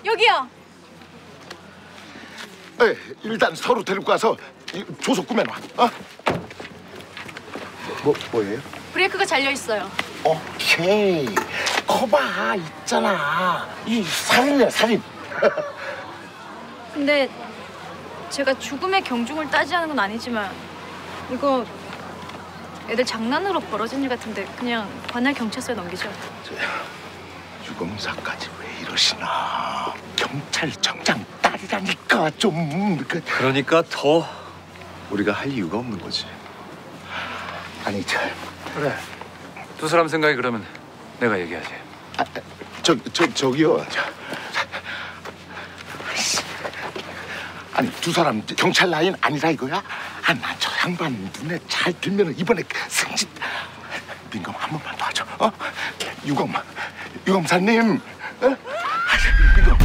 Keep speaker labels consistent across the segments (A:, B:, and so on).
A: 여기요.
B: 네, 일단 서로 데리고 가서 조속 꾸며놔. 어? 뭐예요?
A: 브레이크가 잘려 있어요.
B: 오케이. 거봐 있잖아. 이 살인이야 살인.
A: 근데 제가 죽음의 경중을 따지하는 건 아니지만 이거 애들 장난으로 벌어진 일 같은데 그냥 관할 경찰서에 넘기죠.
B: 유검사까지 왜 이러시나. 경찰청장 딸이라니까 좀.
C: 그러니까 더 우리가 할 이유가 없는 거지.
B: 아니
C: 그래. 두 사람 생각이 그러면 내가 얘기하지.
B: 저기요. 아니 두 사람 경찰 라인 아니라 이거야? 나 저 양반 눈에 잘 들면 이번에 승진. 민검 한 번만 도와줘. 유검사님. 민검.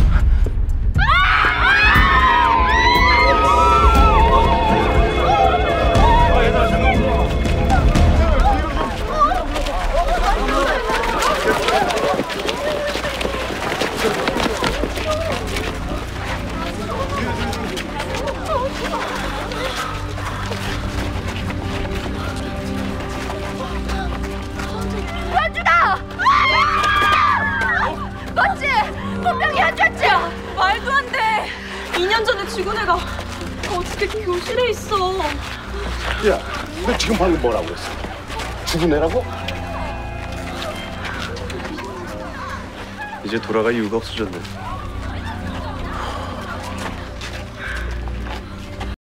A: 현주다! 맞지? 분명히 현주였지? 말도 안 돼. 2년 전에 죽은 애가 어떻게 교실에 있어?
B: 야, 너 지금 방금 뭐라고 했어? 죽은 애라고?
C: 이제 돌아갈 이유가 없어졌네.